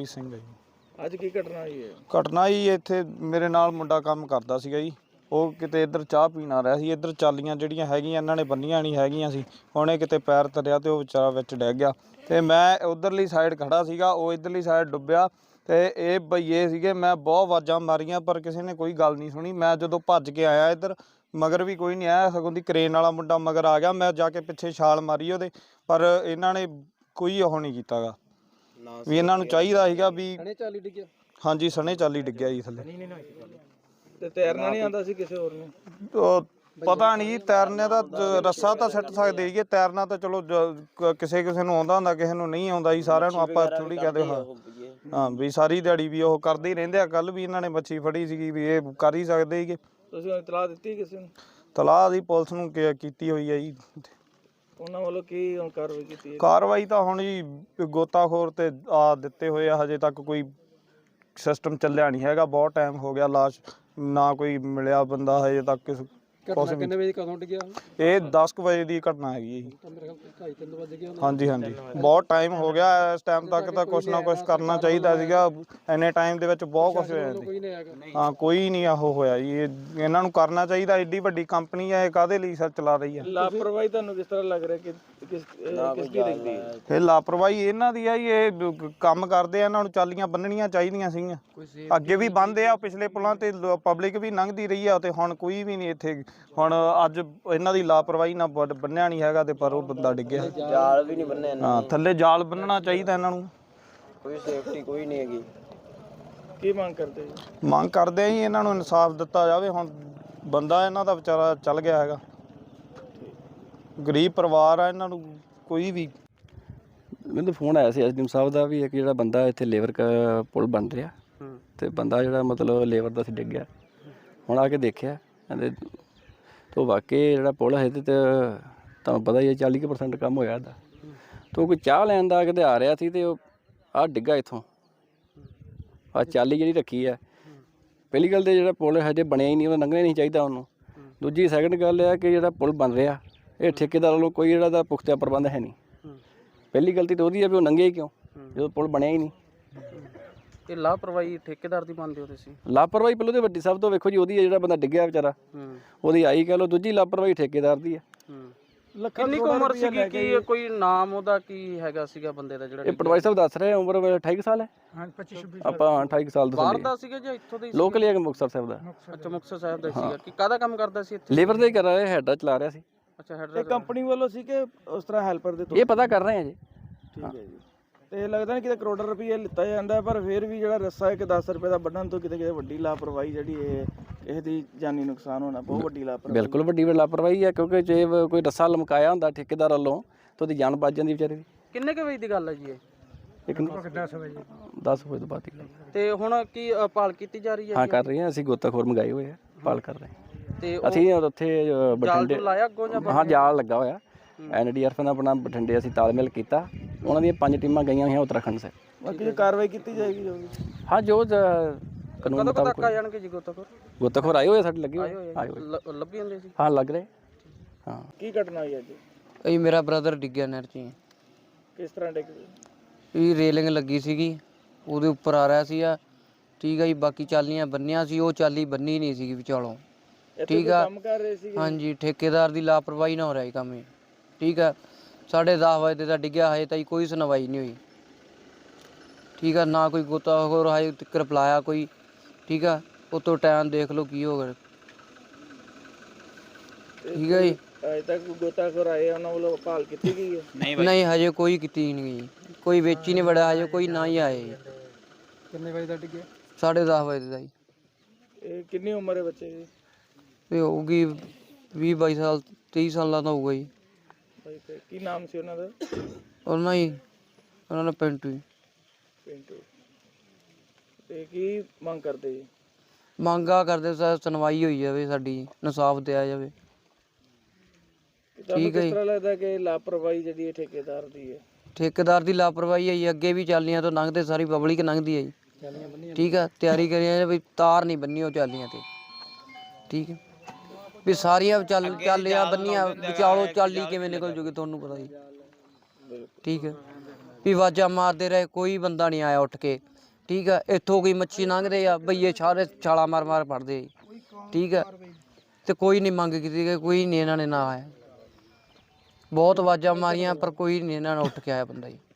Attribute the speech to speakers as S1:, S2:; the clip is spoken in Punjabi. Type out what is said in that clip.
S1: ਹਰਪ੍ਰੀਤ ਸਿੰਘ ਹੈ ਜੀ।
S2: ਅੱਜ ਕੀ ਘਟਨਾ ਹੋਈ ਹੈ?
S1: ਘਟਨਾ ਜੀ ਇੱਥੇ ਮੇਰੇ ਨਾਲ ਮੁੰਡਾ ਕੰਮ ਕਰਦਾ ਸੀਗਾ ਜੀ। ਉਹ ਕਿਤੇ ਇੱਧਰ ਚਾਹ ਪੀਣ ਆ ਰਿਹਾ ਸੀ। ਇੱਧਰ ਚਾਲੀਆਂ ਜਿਹੜੀਆਂ ਹੈਗੀਆਂ ਇਹਨਾਂ ਨੇ ਬੰਨੀਆਂ ਨਹੀਂ ਹੈਗੀਆਂ ਸੀ। ਉਹਨੇ ਕਿਤੇ ਪੈਰ ਧਰਿਆ ਅਤੇ ਉਹ ਵਿਚਾਰਾ ਵਿੱਚ ਡਿੱਗ ਗਿਆ ਅਤੇ ਮੈਂ ਉੱਧਰਲੀ ਸਾਈਡ ਖੜ੍ਹਾ ਸੀਗਾ। ਉਹ ਇੱਧਰਲੀ ਸਾਈਡ ਡੁੱਬਿਆ ਅਤੇ ਇਹ ਭਈਏ ਸੀਗੇ। ਮੈਂ ਬਹੁਤ ਆਵਾਜ਼ਾਂ ਮਾਰੀਆਂ ਪਰ ਕਿਸੇ ਨੇ ਕੋਈ ਗੱਲ ਨਹੀਂ ਸੁਣੀ। ਮੈਂ ਜਦੋਂ ਭੱਜ ਕੇ ਆਇਆ ਇੱਧਰ ਮਗਰ ਵੀ ਕੋਈ ਨਹੀਂ ਆਇਆ, ਸਗੋਂ ਦੀ ਕਰੇਨ ਵਾਲਾ ਮੁੰਡਾ ਮਗਰ ਆ ਗਿਆ। ਮੈਂ ਜਾ ਕੇ ਪਿੱਛੇ ਛਾਲ ਮਾਰੀ ਉਹਦੇ, ਪਰ ਇਹਨਾਂ ਨੇ ਕੋਈ ਉਹ ਨਹੀਂ ਕੀਤਾ ਗਾ ਵੀ ਇਹਨਾਂ ਨੂੰ ਚਾਹੀਦਾ ਸੀਗਾ ਵੀ। ਹਾਂਜੀ ਸਣੇ ਚਾਲੀ ਡਿੱਗਿਆ ਜੀ ਥੱਲੇ।
S2: ਤੇ ਤੈਰਨਾ ਨਹੀਂ ਆਉਂਦਾ ਸੀ ਕਿਸੇ ਹੋਰ ਨੂੰ?
S1: ਉਹ ਪਤਾ ਨਹੀਂ ਜੀ, ਤੈਰਨੇ ਦਾ ਰੱਸਾ ਤਾਂ ਸਿੱਟ ਸਕਦੇ ਸੀਗੇ, ਤੈਰਨਾ ਤਾਂ ਚਲੋ ਕਿਸੇ ਨੂੰ ਆਉਂਦਾ ਹੁੰਦਾ, ਕਿਸੇ ਨੂੰ ਨਹੀਂ ਆਉਂਦਾ ਜੀ। ਸਾਰਿਆਂ ਨੂੰ ਆਪਾਂ ਥੋੜ੍ਹੀ ਕਹਦੇ ਹਾਂ ਵੀ ਸਾਰੀ ਦਿਹਾੜੀ ਵੀ ਉਹ ਕਰਦੇ ਹੀ ਰਹਿੰਦੇ ਆ। ਕੱਲ੍ਹ ਵੀ ਇਹਨਾਂ ਨੇ ਮੱਛੀ ਫੜੀ ਸੀਗੀ ਵੀ ਇਹ ਕਰ ਹੀ ਸਕਦੇ ਸੀਗੇ।
S2: ਤੁਸੀਂ ਇਤਲਾਹ ਦਿੱਤੀ ਕਿਸੇ ਨੂੰ?
S1: ਤਲਾਹ ਦੀ ਪੁਲਿਸ ਨੂੰ ਕੀਤੀ ਹੋਈ ਹੈ ਜੀ।
S2: ਉਹਨਾਂ ਵੱਲੋਂ ਕੀ ਹੁਣ ਕਾਰਵਾਈ ਕੀਤੀ ਹੈ?
S1: ਕਾਰਵਾਈ ਤਾਂ ਹੁਣ ਜੀ ਗੋਤਾਖੋਰ ਤੇ ਦਿੱਤੇ ਹੋਏ ਆ। ਹਜੇ ਤੱਕ ਕੋਈ ਸਿਸਟਮ ਚੱਲਿਆ ਨਹੀਂ ਹੈਗਾ। ਬਹੁਤ ਟਾਈਮ ਹੋ ਗਿਆ, ਲਾਸ਼ ਨਾ ਕੋਈ ਮਿਲਿਆ ਬੰਦਾ ਹਜੇ ਤੱਕ।
S2: ਕਿੰਨੇ ਵਜੇ ਕਦੋਂ ਡਿੱਗਿਆ?
S1: ਇਹ 10 ਕੁ ਵਜੇ ਦੀ ਘਟਨਾ ਹੈਗੀ ਜੀ। ਹਾਂਜੀ ਹਾਂਜੀ ਬਹੁਤ ਟਾਈਮ ਹੋ ਗਿਆ। ਇਸ ਟਾਈਮ ਤੱਕ ਤਾਂ ਕੁਛ ਨਾ ਕੁਛ ਕਰਨਾ ਚਾਹੀਦਾ ਸੀਗਾ। ਇੰਨੇ ਟਾਈਮ ਦੇ ਵਿੱਚ ਬਹੁਤ ਕੁਛ ਹੋਇਆ ਜੀ। ਹਾਂ ਕੋਈ ਨਹੀਂ ਆਹੋ ਹੋਇਆ ਜੀ। ਇਹਨਾਂ ਨੂੰ ਕਰਨਾ ਚਾਹੀਦਾ। ਐਡੀ ਵੱਡੀ ਕੰਪਨੀ ਹੈ, ਇਹ ਕਾਹਦੇ ਲਈ ਸਰ ਚਲਾ ਰਹੀ ਹੈ?
S2: ਲਾਪਰਵਾਹੀ ਤੁਹਾਨੂੰ ਕਿਸ ਤਰ੍ਹਾਂ ਲੱਗ ਰਿਹਾ ਕਿ ਕਿਸ ਦੀ ਦਿਖਦੀ ਹੈ?
S1: ਇਹ ਲਾਪਰਵਾਹੀ ਇਹਨਾਂ ਦੀ ਹੈ ਜੀ। ਇਹ ਕੰਮ ਕਰਦੇ ਆ, ਇਹਨਾਂ ਨੂੰ ਚਾਲੀਆਂ ਬੰਨਣੀਆਂ ਚਾਹੀਦੀਆਂ ਸੀਗੀਆਂ। ਅੱਗੇ ਵੀ ਬੰਨ੍ਹਦੇ ਆ, ਪਿਛਲੇ ਪੁਲਾਂ ਤੇ ਪਬਲਿਕ ਵੀ ਲੰਘਦੀ ਰਹੀ ਆ, ਤੇ ਹੁਣ ਕੋਈ ਵੀ ਨਹੀਂ ਇੱਥੇ। ਹੁਣ ਅੱਜ ਇਹਨਾਂ ਦੀ ਲਾਪਰਵਾਹੀ ਨਾਲ ਬੰਨਿਆ ਨਹੀਂ ਹੈਗਾ ਤੇ ਪਰ ਉਹ ਬੰਦਾ ਡਿੱਗਿਆ।
S3: ਜਾਲ ਵੀ ਨਹੀਂ ਬੰਨਿਆ।
S1: ਹਾਂ ਥੱਲੇ ਜਾਲ ਬੰਨਣਾ ਚਾਹੀਦਾ ਇਹਨਾਂ ਨੂੰ।
S3: ਕੋਈ ਸੇਫਟੀ ਕੋਈ ਨਹੀਂ ਹੈਗੀ।
S2: ਕੀ ਮੰਗ ਕਰਦੇ ਜੀ?
S1: ਮੰਗ ਕਰਦੇ ਆ ਜੀ ਇਹਨਾਂ ਨੂੰ ਇਨਸਾਫ ਦਿੱਤਾ ਜਾਵੇ। ਹੁਣ ਬੰਦਾ ਇਹਨਾਂ ਦਾ ਵਿਚਾਰਾ ਚੱਲ ਗਿਆ ਹੈਗਾ। ਗਰੀਬ ਪਰਿਵਾਰ ਆ ਇਹਨਾਂ ਨੂੰ। ਕੋਈ ਵੀ
S4: ਮੈਨੂੰ ਫੋਨ ਆਇਆ ਸੀ ਐਸਡੀਐਮ ਸਾਹਿਬ ਦਾ ਵੀ ਇੱਕ ਜਿਹੜਾ ਬੰਦਾ ਇੱਥੇ ਲੇਬਰ ਪੁਲ ਬਣ ਰਿਹਾ ਅਤੇ ਬੰਦਾ ਜਿਹੜਾ ਮਤਲਬ ਲੇਬਰ ਦਾ ਸੀ ਡਿੱਗ ਗਿਆ। ਹੁਣ ਆ ਕੇ ਦੇਖਿਆ ਕਹਿੰਦੇ ਤੋ ਵਾਕਈ ਜਿਹੜਾ ਪੁਲ ਹੈ ਤੇ ਤੁਹਾਨੂੰ ਪਤਾ ਹੀ ਹੈ 40% ਕੰਮ ਹੋਇਆ ਇਹਦਾ। ਤੋ ਕੋਈ ਚਾਹ ਲੈਣ ਦਾ ਕਿਤੇ ਆ ਰਿਹਾ ਸੀ ਅਤੇ ਉਹ ਆਹ ਡਿੱਗਾ ਇੱਥੋਂ। ਆਹ ਚਾਲੀ ਜਿਹੜੀ ਰੱਖੀ ਹੈ, ਪਹਿਲੀ ਗੱਲ ਤਾਂ ਜਿਹੜਾ ਪੁਲ ਹਜੇ ਬਣਿਆ ਹੀ ਨਹੀਂ, ਉਹ ਲੰਘਣਾ ਨਹੀਂ ਚਾਹੀਦਾ ਉਹਨੂੰ। ਦੂਜੀ ਸੈਕਿੰਡ ਗੱਲ ਇਹ ਕਿ ਜਿਹੜਾ ਪੁਲ ਬਣ ਰਿਹਾ ਇਹ ਠੇਕੇਦਾਰ ਵੱਲੋਂ ਕੋਈ ਜਿਹੜਾ ਦਾ ਪੁਖਤਾ ਪ੍ਰਬੰਧ ਹੈ ਨਹੀਂ। ਪਹਿਲੀ ਗਲਤੀ ਤਾਂ ਉਹਦੀ ਹੈ ਵੀ ਉਹ ਲੰਘੇ ਕਿਉਂ ਜਦੋਂ ਪੁਲ ਬਣਿਆ ਹੀ ਨਹੀਂ।
S2: ਇਹ ਲਾਪਰਵਾਹੀ ਠੇਕੇਦਾਰ ਦੀ ਮੰਨਦੇ ਹੋ ਤੁਸੀਂ?
S4: ਲਾਪਰਵਾਹੀ ਪਹਿਲਾਂ ਤਾਂ ਵੱਡੀ ਸਭ ਤੋਂ ਵੇਖੋ ਜੀ ਉਹਦੀ ਹੈ, ਜਿਹੜਾ ਬੰਦਾ ਡਿੱਗਿਆ ਵਿਚਾਰਾ ਉਹਦੀ ਆਈ ਕਹਿ ਲਓ। ਦੂਜੀ ਲਾਪਰਵਾਹੀ ਠੇਕੇਦਾਰ ਦੀ ਹੈ।
S2: ਕਿੰਨੀ ਕੁ ਉਮਰ ਸੀਗੀ? ਕੀ ਕੋਈ ਨਾਮ ਉਹਦਾ ਕੀ ਹੈਗਾ ਸੀਗਾ ਬੰਦੇ ਦਾ ਜਿਹੜਾ?
S4: ਇਹ ਪਟਵਾਰੀ ਸਾਹਿਬ ਦੱਸ ਰਹੇ ਉਮਰ 28 ਸਾਲ ਹੈ। ਹਾਂ 25 ਆਪਾਂ 28 ਸਾਲ ਦਾ।
S2: ਬਾਹਰ ਦਾ ਸੀਗਾ ਜਾਂ ਇੱਥੋਂ ਦਾ?
S4: ਲੋਕਲ ਹੀ ਹੈ ਮੁਕਤਸਰ ਸਾਹਿਬ ਦਾ।
S2: ਅੱਛਾ ਮੁਕਤਸਰ ਸਾਹਿਬ ਦਾ ਸੀਗਾ। ਕਿ ਕਾਹਦਾ ਕੰਮ ਕਰਦਾ ਸੀ ਇੱਥੇ?
S4: ਲੇਬਰ ਦਾ ਹੀ ਕਰ ਰਿਹਾ, ਹੈਡਾ ਚਲਾ ਰਿਹਾ ਸੀ।
S2: ਅੱਛਾ ਹੈਡਰ ਕੰਪਨੀ ਵੱਲੋਂ ਸੀ ਕਿ ਉਸ ਤਰ੍ਹਾਂ ਹੈਲਪਰ ਦੇ?
S4: ਇਹ ਪਤਾ ਕਰ ਰਹੇ ਆ ਜੀ।
S2: ਠੀਕ ਹੈ ਜੀ। ਤੇ ਲੱਗਦਾ ਨਹੀਂ ਕਿਤੇ ਕਰੋੜਾਂ ਰੁਪਏ ਲਿੱਤਾ ਜਾਂਦਾ, ਪਰ ਫਿਰ ਵੀ ਜਿਹੜਾ ਰੱਸਾ ਇੱਕ 10 ਰੁਪਏ ਦਾ ਵੱਢਣ ਤੋਂ ਕਿਤੇ ਵੱਡੀ ਲਾਪਰਵਾਹੀ ਜਿਹੜੀ ਇਹ ਕਿਸੇ ਦੀ ਜਾਨੀ ਨੁਕਸਾਨ ਹੋਣਾ ਬਹੁਤ ਵੱਡੀ ਲਾਪਰਵਾਹੀ।
S4: ਬਿਲਕੁਲ ਵੱਡੀ ਲਾਪਰਵਾਹੀ ਹੈ, ਕਿਉਂਕਿ ਜੇ ਕੋਈ ਰੱਸਾ ਲਮਕਾਇਆ ਹੁੰਦਾ ਠੇਕੇਦਾਰ ਵੱਲੋਂ ਤਾਂ ਉਹਦੀ ਜਾਨ ਬਚ ਜਾਂਦੀ ਵਿਚਾਰੇ ਦੀ।
S2: ਕਿੰਨੇ ਕੁ ਵਜੇ ਦੀ ਗੱਲ ਹੈ ਜੀ ਇਹ?
S4: 10 ਵਜੇ ਤੋਂ ਬਾਅਦ ਦੀ।
S2: ਤੇ ਹੁਣ ਕੀ ਭਾਲ ਕੀਤੀ ਜਾ ਰਹੀ ਹੈ?
S4: ਹਾਂ ਕਰ ਰਹੇ ਹਾਂ ਅਸੀਂ, ਗੋਤਾਖੋਰ ਮੰਗਾਏ ਹੋਏ ਆ, ਭਾਲ ਕਰ ਰਹੇ ਹਾਂ।
S2: ਤੇ
S4: ਅਸੀਂ ਉੱਥੇ ਬਠਿੰਡੇ
S2: ਲਾਇਆ ਅੱਗੋਂ ਜਾਂ?
S4: ਹਾਂ ਜਾਲ ਲੱਗਾ ਹੋਇਆ। NDRF ਨਾਲ ਆਪਣਾ ਬਠਿੰਡੇ ਅਸੀਂ ਤਾਲਮੇਲ ਕੀਤਾ। ਉਹਨਾਂ ਦੀਆਂ 5 ਟੀਮਾਂ ਗਈਆਂ ਹੋਈਆਂ ਉੱਤਰਾਖੰਡ ਸੇ।
S2: ਬਾਕੀ ਕਾਰਵਾਈ ਕੀਤੀ ਜਾਏਗੀ ਜੋ ਵੀ।
S4: ਹਾਂ ਜੋ ਕਾਨੂੰਨ ਮੁਤਾਬਕ
S2: ਆ ਜਾਣਗੇ ਜੀ।
S4: ਗੋਤਾਖੋਰ ਆਏ ਹੋਏ ਸਾਡੇ ਲੱਗੇ ਹੋਏ
S2: ਲੱਭੀ ਜਾਂਦੇ ਸੀ।
S4: ਹਾਂ ਲੱਗ ਰਹੇ। ਹਾਂ
S2: ਕੀ ਘਟਨਾ ਹੋਈ ਅੱਜ?
S5: ਇਹ ਮੇਰਾ ਬ੍ਰਦਰ ਡਿੱਗਿਆ ਨਹਿਰ 'ਚ।
S2: ਕਿਸ ਤਰ੍ਹਾਂ ਡਿੱਗ ਗਿਆ?
S5: ਇਹ ਰੇਲਿੰਗ ਲੱਗੀ ਸੀਗੀ, ਉਹਦੇ ਉੱਪਰ ਆ ਰਿਹਾ ਸੀ। ਠੀਕ ਆ ਜੀ। ਬਾਕੀ ਚਾਲੀਆਂ ਬੰਨੀਆਂ ਸੀ, ਉਹ ਚਾਲੀ ਬੰਨੀ ਨਹੀਂ ਸੀਗੀ ਵਿਚਾਲੋਂ। ਠੀਕ ਆ।
S2: ਕੰਮ ਕਰ ਰਹੇ ਸੀ?
S5: ਹਾਂਜੀ ਠੇਕੇਦਾਰ ਦੀ ਲਾਪਰਵਾਹੀ ਨਾਲ ਹੋ ਰਿਹਾ ਕੰਮ ਇਹ। ਠੀਕ ਆ। 10:30 ਵਜੇ ਦਾ ਡਿੱਗਿਆ, ਹਜੇ ਤਾਈਂ ਕੋਈ ਸੁਣਵਾਈ ਨਹੀਂ ਹੋਈ। ਠੀਕ ਆ। ਨਾ ਕੋਈ ਗੋਤਾਖੋਰ ਹਜੇ ਤੱਕ ਰਿਪਲਾਇਆ ਕੋਈ। ਠੀਕ ਆ। ਉਤੋਂ ਟਾਈਮ ਦੇਖ ਲਓ ਕੀ ਹੋ ਗਿਆ। ਠੀਕ ਆ ਜੀ।
S2: ਅਜੇ ਤੱਕ ਗੋਤਾਖੋਰ ਆਏ ਉਹਨਾਂ ਵੱਲੋਂ ਭਾਲ ਕੀਤੀ ਗਈ ਹੈ?
S5: ਨਹੀਂ ਹਜੇ ਕੋਈ ਕੀਤੀ ਨਹੀਂ ਗਈ। ਕੋਈ ਵਿੱਚ ਹੀ ਨਹੀਂ ਵੜਿਆ ਹਜੇ, ਕੋਈ ਨਾ ਹੀ ਆਏ।
S2: ਕਿੰਨੇ ਵਜੇ ਦਾ ਡਿੱਗਿਆ?
S5: 10:30 ਵਜੇ ਦਾ ਜੀ।
S2: ਇਹ ਕਿੰਨੀ ਉਮਰ ਹੈ ਬੱਚੇ ਦੀ?
S5: ਇਹ ਹੋਊਗੀ 20-22 ਸਾਲ, 23 ਸਾਲਾਂ ਦਾ ਹੋਊਗਾ ਜੀ।
S2: ਕੀ ਨਾਮ ਸੀ ਉਹਨਾਂ ਦਾ?
S5: ਉਹਨਾਂ ਦਾ ਪਿੰਟੂ ਜੀ।
S2: ਪਿੰਟੂ। ਤੇ ਕੀ ਮੰਗ ਕਰਦੇ ਜੀ?
S5: ਮੰਗਾ ਕਰਦੇ ਸੁਣਵਾਈ ਹੋਈ ਜਾਵੇ ਸਾਡੀ, ਇਨਸਾਫ ਦਿਆ ਜਾਵੇ।
S2: ਠੀਕ ਹੈ। ਕਿਸ ਤਰ੍ਹਾਂ ਲੱਗਦਾ ਕਿ ਲਾਪਰਵਾਹੀ ਜਿਹੜੀ ਠੇਕੇਦਾਰ ਦੀ ਹੈ?
S5: ਠੇਕੇਦਾਰ ਦੀ ਲਾਪਰਵਾਹੀ ਹੈ ਜੀ। ਅੱਗੇ ਵੀ ਚਾਲੀਆਂ ਤੋਂ ਲੰਘਦੇ, ਸਾਰੀ ਪਬਲਿਕ ਲੰਘਦੀ ਹੈ ਜੀ। ਠੀਕ ਆ। ਤਿਆਰੀ ਕਰੀ ਵੀ ਤਾਰ ਨਹੀਂ ਬੰਨੀ ਉਹ ਚਾਲੀਆਂ ਤੇ। ਠੀਕ ਹੈ ਵੀ ਸਾਰੀਆਂ ਚਾਲੀਆਂ ਬੰਨੀਆਂ ਵਿਚਾਲੋ ਚਾਲੀ ਕਿਵੇਂ ਨਿਕਲ ਜੂਗੀ ਤੁਹਾਨੂੰ ਪਤਾ ਜੀ। ਠੀਕ ਹੈ ਵੀ ਆਵਾਜ਼ਾਂ ਮਾਰਦੇ ਰਹੇ, ਕੋਈ ਬੰਦਾ ਨਹੀਂ ਆਇਆ ਉੱਠ ਕੇ। ਠੀਕ ਆ। ਇੱਥੋਂ ਕੋਈ ਮੱਛੀ ਲੰਘਦੇ ਆ ਬਈਏ ਸਾਰੇ ਛਾਲਾ ਮਾਰ ਮਾਰ ਫੜਦੇ ਜੀ, ਠੀਕ ਆ। ਤੇ ਕੋਈ ਨਹੀਂ ਮੰਗ ਕੀਤੀ ਗਈ, ਕੋਈ ਨਹੀਂ ਇਹਨਾਂ ਨੇ ਨਾ ਆਇਆ। ਬਹੁਤ ਆਵਾਜ਼ਾਂ ਮਾਰੀਆਂ ਪਰ ਕੋਈ ਨਹੀਂ ਇਹਨਾਂ ਨੇ ਉੱਠ ਕੇ ਆਇਆ ਬੰਦਾ ਜੀ।